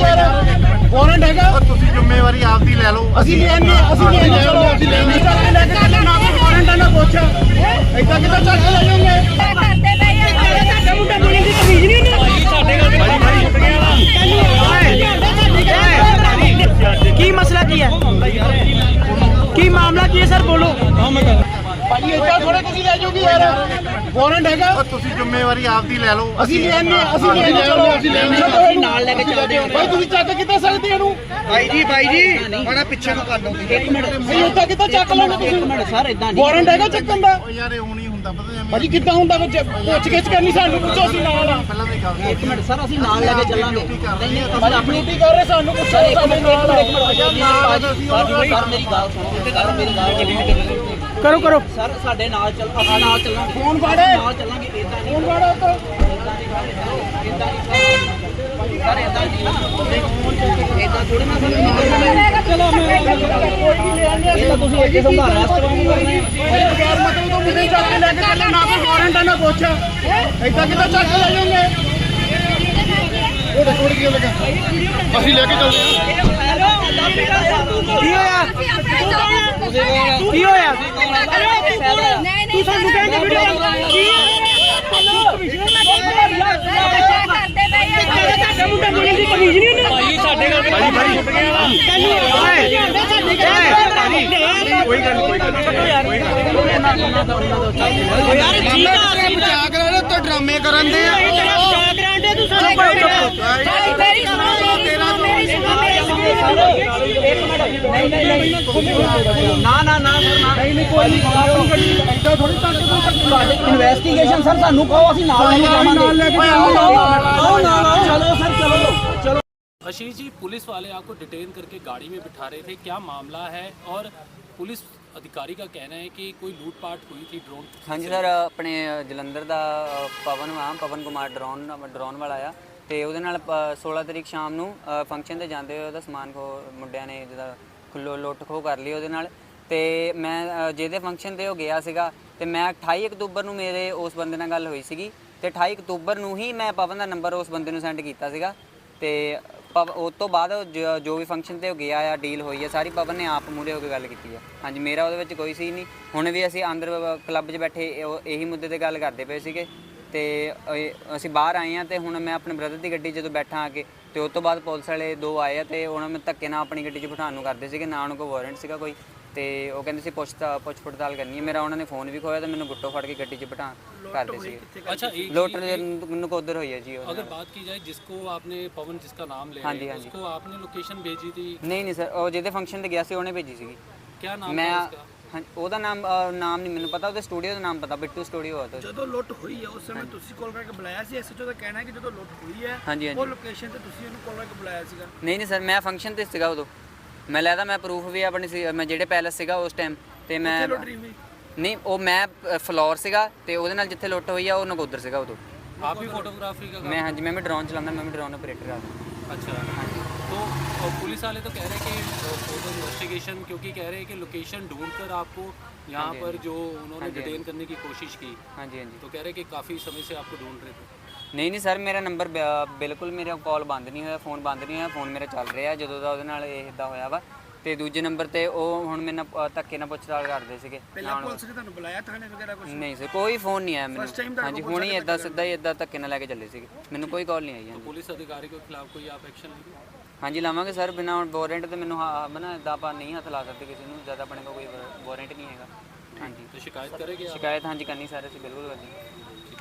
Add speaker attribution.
Speaker 1: ਯਾਰ ਵਾਰੰਟ ਹੈਗਾ
Speaker 2: ਤੁਸੀਂ ਜ਼ਿੰਮੇਵਾਰੀ ਆਪਦੀ ਲੈ ਲਓ।
Speaker 1: ਅਸੀਂ ਲੈਣੇ ਚਲੋ ਅਸੀਂ ਲੈਣੇ ਚੱਕ ਕੇ ਲੈ ਕੇ ਚੱਲੋ ਨਾ ਕੋਈ ਵਾਰੰਟ ਨਾ ਪੁੱਛ ਏਦਾਂ ਕਿੱਦਾਂ ਚੱਕ ਕੇ ਲੈ ਜਾਓਗੇ ਤੁਹਾਡਾ ਮੁੰਡਾ ਬੋਲਣ ਦੀ ਤਮੀਜ਼ ਨਹੀਂ ਉਹਨੂੰ
Speaker 3: ਕੀ ਮਸਲਾ ਕੀ ਹੈ ਕੀ ਮਾਮਲਾ ਕੀ ਹੈ ਸਰ ਬੋਲੋ
Speaker 1: ਭਾਈ ਏਦਾਂ ਥੋੜੇ ਤੁਸੀਂ ਲੈ ਜਾਓਗੇ ਯਾਰ ਵਾਰੰਟ ਹੈਗਾ
Speaker 2: ਤੁਸੀਂ ਜ਼ਿੰਮੇਵਾਰੀ ਆਪਦੀ ਲੈ ਲਓ।
Speaker 1: ਅਸੀਂ ਲੈਣੇ ਚਲੋ ਅਸੀਂ ਲੈਣੇ ਨਾਲ ਲੈ ਕੇ ਚੱਲਦੇ ਹਾਂ ਭਾਈ ਤੁਸੀਂ ਚੱਕ ਕਿੱਦਾਂ ਸਕਦੇ ਇਹਨੂੰ
Speaker 4: ਬਾਈ ਜੀ ਬੜਾ ਪਿੱਛੇ ਨੂੰ ਕਰ ਲਓ।
Speaker 3: ਇੱਕ ਮਿੰਟ
Speaker 1: ਭਾਈ ਏਦਾਂ ਕਿੱਦਾਂ ਚੱਕ ਲਓਗੇ ਤੁਸੀਂ
Speaker 3: ਇੱਕ ਮਿੰਟ ਸਰ ਇਦਾਂ ਨਹੀਂ
Speaker 1: ਵਾਰੰਟ ਹੈਗਾ ਚੱਕਣ ਦਾ
Speaker 2: ਉਹ ਯਾਰ ਇਹ ਹੁਣ ਹੀ ਹੁੰਦਾ ਪਤਾ ਐਵੇਂ
Speaker 1: ਭਾਜੀ ਕਿੱਦਾਂ ਹੁੰਦਾ ਪੁੱਛ ਗਿੱਛ ਕਰਨੀ ਸਾਨੂੰ ਪੁੱਛੋ ਅਸੀਂ ਨਾਲ ਆ
Speaker 2: ਪਹਿਲਾਂ ਦੀ ਗੱਲ
Speaker 3: ਇੱਕ ਮਿੰਟ ਸਰ ਅਸੀਂ ਨਾਲ ਲੈ ਕੇ ਚੱਲਾਂਗੇ ਨਹੀਂ
Speaker 1: ਭਾਜੀ ਆਪਣੀ ਡਿਊਟੀ ਕਰ ਰਹੇ ਸਾਨੂੰ ਪੁੱਛੋ ਸਾਡੇ ਨਾਲ ਆ
Speaker 3: ਸਰ ਮੇਰੀ ਗੱਲ ਸੁਣੋ ਕਰੋ ਸਰ ਸਾਡੇ ਨਾਲ ਚੱਲ ਆਪਾਂ ਨਾਲ ਚੱਲਾਂਗੇ
Speaker 1: ਫੋਨ ਫਾੜੇ
Speaker 3: ਨਾਲ ਚੱਲਾਂਗੇ ਇਦਾਂ ਨਹੀਂ
Speaker 1: ਫੋਨ ਫਾੜਾ ਉੱਤੋਂ
Speaker 3: ਸਰ ਇਦਾਂ ਨਹੀਂ ਇਦਾਂ ਥੋੜੀ ਨਾ ਸਰ ਚਲੋ ਮੈਂ ਇਹ ਤਾਂ ਤੁਸੀਂ ਅੱਗੇ ਸੰਭਾਲ ਰੈਸਟ ਵਾਂਗੂ ਕਰਨਾ
Speaker 1: ਭਾਈ ਬਗੈਰ ਮਤਲਬ ਤੋਂ ਮੁੰਡੇ ਚੱਕ ਕੇ ਲੈ ਕੇ ਚੱਲੋ ਨਾ ਕੋਈ ਵਾਰੰਟ ਨਾ ਪੁੱਛ ਏਦਾਂ ਕਿੱਦਾਂ ਚੱਕ ਕੇ ਲੈ ਜਾਓਗੇ ਉਹ ਦੇਖੋ ਕੀ ਲੱਗਾ ਅਸੀਂ ਲੈ ਕੇ ਚੱਲਦੇ ਹਾਂ
Speaker 3: ਕੀ ਹੋਇਆ
Speaker 5: ਤੂੰ ਸਾਨੂੰ ਕਹਿੰਦੇ
Speaker 3: ਤੁਹਾਡਾ ਮੁੰਡਾ ਬੋਲਣ ਦੀ ਤਮੀਜ਼ ਨਹੀਂ ਉਹਨੂੰ ਭਾਈ ਸਾਡੇ ਗੱਲ
Speaker 2: ਕੋਈ ਗੱਲ
Speaker 1: ਮਜ਼ਾਕ ਲੈ ਰਹੇ ਉੱਤੇ ਡਰਾਮੇ ਕਰਨ ਦੇ ਆ ਏਦਾਂ ਥੋੜੀ
Speaker 3: ਇਨਵੈਸਟੀਗੇਸ਼ਨ ਸਰ ਸਾਨੂੰ ਕਹੋ ਅਸੀਂ ਨਾਲ ਲੈ ਕੇ ਜਾਵਾਂਗੇ ਆਓ ਚਲੋ ਸਰ ਚਲੋ
Speaker 6: आशीष जी, पुलिस वाले आपको डिटेन करके गाड़ी में बिठा रहे थे, क्या मामला है? और पुलिस अधिकारी का कहना है कि कोई लूटपाट हुई थी ड्रोन।
Speaker 7: हाँ जी सर, अपने जलंधर ਦਾ ਪਵਨ ਕੁਮਾਰ ਡਰੋਨ ਵਾਲਾ ਆ ਤੇ ਉਹਦੇ ਨਾਲ 16 ਤਰੀਕ ਸ਼ਾਮ ਨੂੰ ਫੰਕਸ਼ਨ ਤੇ ਜਾਂਦੇ ਹੋਏ ਉਹਦਾ ਸਮਾਨ ਮੁੰਡਿਆਂ ਨੇ ਜਿਹਦਾ ਲੁੱਟ ਖੋਹ ਕਰ ਲਈ ਉਹਦੇ ਨਾਲ ਤੇ ਮੈਂ ਜਿਹਦੇ ਫੰਕਸ਼ਨ ਤੇ ਉਹ ਗਿਆ ਸੀਗਾ ਤੇ ਮੈਂ 28 ਅਕਤੂਬਰ ਨੂੰ ਮੇਰੇ ਉਸ ਬੰਦੇ ਨਾਲ ਗੱਲ ਹੋਈ ਸੀਗੀ ਤੇ 28 ਅਕਤੂਬਰ ਨੂੰ ਹੀ ਮੈਂ ਪਵਨ ਦਾ ਨੰਬਰ ਉਸ ਬੰਦੇ ਨੂੰ ਸੈਂਡ ਕੀਤਾ ਸੀਗਾ ਤੇ ਉਸ ਤੋਂ ਬਾਅਦ ਜੋ ਵੀ ਫੰਕਸ਼ਨ ਤੇ ਉਹ ਗਿਆ ਆ ਡੀਲ ਹੋਈ ਹੈ ਸਾਰੀ ਪਵਨ ਨੇ ਆਪ ਮੂਹਰੇ ਹੋ ਕੇ ਗੱਲ ਕੀਤੀ ਹੈ। ਹਾਂਜੀ, ਮੇਰਾ ਉਹਦੇ ਵਿੱਚ ਕੋਈ ਸੀ ਨਹੀਂ। ਹੁਣ ਵੀ ਅਸੀਂ ਅੰਦਰ ਕਲੱਬ 'ਚ ਬੈਠੇ ਇਹੀ ਮੁੱਦੇ ਤੇ ਗੱਲ ਕਰਦੇ ਪਏ ਸੀਗੇ ਤੇ ਅਸੀਂ ਬਾਹਰ ਆਏ ਹਾਂ ਤੇ ਹੁਣ ਮੈਂ ਆਪਣੇ ਬ੍ਰਦਰ ਦੀ ਗੱਡੀ ਜਦੋਂ ਬੈਠਾ ਆ ਕੇ ਤੇ ਉਸ ਤੋਂ ਬਾਅਦ ਪੁਲਿਸ ਵਾਲੇ ਦੋ ਆਏ ਆ ਤੇ ਉਹਨਾਂ ਨੂੰ ਧੱਕੇ ਨਾਲ ਆਪਣੀ ਗੱਡੀ 'ਚ ਬਿਠਾਉਣ ਨੂੰ ਕਰਦੇ ਸੀਗੇ, ਨਾ ਉਹਨਾਂ ਕੋਲ ਵਾਰੰਟ ਸੀਗਾ ਕੋਈ ਤੇ ਉਹ ਕਹਿੰਦੇ ਸੀ ਪੁੱਛ ਪੜਤਾਲ ਕਰਨੀ ਹੈ। ਮੇਰਾ ਉਹਨਾਂ ਨੇ ਫੋਨ ਵੀ ਖੋਇਆ ਤੇ ਮੈਨੂੰ ਗੁੱਟੋ ਫੜ ਕੇ ਗੱਡੀ 'ਚ ਬਿਠਾ ਕਰਦੇ ਸੀਗੇ।
Speaker 6: अच्छा, एक
Speaker 7: ਲੋਟਰ ਨਕੋਦਰ ਹੋਈ ਹੈ ਜੀ ਉਹ।
Speaker 6: अगर बात की जाए जिसको आपने पवन जिसका नाम ले
Speaker 7: हाँ
Speaker 6: रहे
Speaker 7: जी,
Speaker 6: हैं,
Speaker 7: हाँ जी।
Speaker 6: उसको आपने लोकेशन भेजी थी,
Speaker 7: ਨਹੀਂ ਸਰ, ਉਹ ਜਿਹਦੇ ਫੰਕਸ਼ਨ ਤੇ ਗਿਆ ਸੀ ਉਹਨੇ ਭੇਜੀ ਸੀਗੀ।
Speaker 6: क्या नाम
Speaker 7: ਮੈਂ
Speaker 6: था उसका?
Speaker 7: ਹਾਂ, ਉਹਦਾ ਨਾਮ ਨਹੀਂ ਮੈਨੂੰ ਪਤਾ, ਉਹਦੇ ਸਟੂਡੀਓ ਦਾ ਨਾਮ ਪਤਾ, ਬਿੱਟੂ ਸਟੂਡੀਓ ਆ।
Speaker 4: ਜਦੋਂ ਲੁੱਟ ਹੋਈ ਹੈ ਉਸ ਸਮੇਂ ਤੁਸੀਂ ਕਾਲ ਕਰਕੇ ਬੁਲਾਇਆ ਸੀ? ਐਸਐਚਓ ਦਾ ਕਹਿਣਾ ਹੈ ਕਿ ਜਦੋਂ ਲੁੱਟ ਹੋਈ ਹੈ
Speaker 7: ਹਾਂਜੀ
Speaker 4: ਉਹ
Speaker 7: ਹਾਂਜੀ
Speaker 4: ਲੋਕੇਸ਼ਨ ਤੇ ਤੁਸੀਂ ਉਹਨੂੰ ਕਾਲ ਕਰਕੇ ਬੁਲਾਇਆ ਸੀਗਾ?
Speaker 7: ਨਹੀਂ ਸਰ, ਮੈਂ ਫੰਕਸ਼ਨ ਤੇ ਸੀਗਾ ਉਦੋਂ। ਮੈਂ ਲੈਦਾ ਮੈਂ ਪ੍ਰੂਫ ਵੀ ਆਪਣੀ ਸੀ, ਮੈਂ ਜਿਹੜੇ ਪੈਲਸ ਸੀਗਾ ਉਸ ਟਾਈਮ ਤੇ ਮੈਂ
Speaker 4: ਕਿੱਥੇ ਲੁੱਟ ਰਹੀ ਹੋਈ?
Speaker 7: ਨਹੀਂ, ਉਹ ਮੈਂ ਫਲੋਰ ਸੀਗਾ ਤੇ ਉਹਦੇ ਨਾਲ ਜਿੱਥੇ ਲੁੱਟ ਹੋਈ ਆ ਉਹ ਨਕੋਦਰ ਸੀਗਾ ਉਦੋਂ।
Speaker 6: आप भी फोटोग्राफी का
Speaker 7: ਮੈਂ ਹਾਂਜੀ, ਮੈਂ ਵੀ ਡਰੋਨ ਚਲਾਉਂਦਾ, ਮੈਂ ਵੀ ਡਰੋਨ ਆਪਰੇਟਰ ਆ।
Speaker 6: अच्छा, तो पुलिस वाले तो कह रहे हैं कि फोटो इन्वेस्टिगेशन, क्योंकि कह रहे हैं कि लोकेशन ढूंढकर आपको यहाँ
Speaker 7: हाँ जी,
Speaker 6: पर जो उन्होंने
Speaker 7: हाँ जी,
Speaker 6: डिटेन करने की कोशिश की,
Speaker 7: ਹਾਂਜੀ ਹਾਂਜੀ।
Speaker 6: तो कह रहे हैं कि काफ़ी समय से आपको ढूंढ रहे थे।
Speaker 7: ਨਹੀਂ ਸਰ, ਮੇਰਾ ਨੰਬਰ ਬਿਲਕੁਲ, ਮੇਰਾ ਕਾਲ ਬੰਦ ਨਹੀਂ ਹੋਇਆ, ਫੋਨ ਬੰਦ ਨਹੀਂ ਹੋਇਆ, ਫੋਨ ਮੇਰਾ ਚੱਲ ਰਿਹਾ ਜਦੋਂ ਦਾ ਉਹਦੇ ਨਾਲ ਇਹ ਇੱਦਾਂ ਹੋਇਆ ਵਾ। ਤੇ ਦੂਜੇ ਨੰਬਰ ਤੇ ਉਹ ਹੁਣ ਮੇਰੇ ਨਾਲ ਧੱਕੇ ਨਾਲ ਪੁੱਛਤਾਲ ਕਰਦੇ ਸੀਗੇ।
Speaker 4: ਪਹਿਲਾਂ ਪੁਲਿਸ ਨੇ ਤੁਹਾਨੂੰ ਬੁਲਾਇਆ ਥਾਣੇ ਵਗੈਰਾ ਕੁਝ?
Speaker 7: ਨਹੀਂ ਸਰ, ਕੋਈ ਫੋਨ ਨਹੀਂ ਆਇਆ
Speaker 4: First time
Speaker 7: ਮੈਨੂੰ।
Speaker 4: ਤੁਹਾਡੇ
Speaker 7: ਹਾਂਜੀ,
Speaker 4: ਕੋਲ
Speaker 7: ਹੁਣ ਹੀ
Speaker 4: ਪੁਲਿਸ
Speaker 7: ਇੱਦਾਂ ਸਿੱਧਾ ਹੀ ਇੱਦਾਂ ਧੱਕੇ ਨਾਲ ਲੈ ਕੇ ਚੱਲੇ ਸੀਗੇ, ਮੈਨੂੰ ਕੋਈ ਕਾਲ ਨਹੀਂ ਆਈ। ਹਾਂਜੀ
Speaker 6: पुलिस अधिकारी के खिलाफ कोई आप एक्शन लेंगे?
Speaker 7: ਹਾਂਜੀ ਲਾਵਾਂਗੇ ਸਰ, ਬਿਨਾਂ ਵਾਰੰਟ ਤੇ ਮੈਨੂੰ ਬਣਾ ਇੱਦਾਂ ਆਪਾਂ ਨਹੀਂ ਹੱਥ ਲਾ ਸਕਦੇ ਕਿਸੇ ਨੂੰ, ਜਦ ਆਪਣੇ ਕੋਲ ਕੋਈ ਵਾਰੰਟ ਨਹੀਂ ਹੈਗਾ। ਹਾਂਜੀ,
Speaker 6: तो शिकायत करेंगे आप?
Speaker 7: ਸ਼ਿਕਾਇਤ ਹਾਂਜੀ ਕਰਨੀ ਸਰ, ਅਸੀਂ ਬਿਲਕੁਲ ਕਰਨੀ।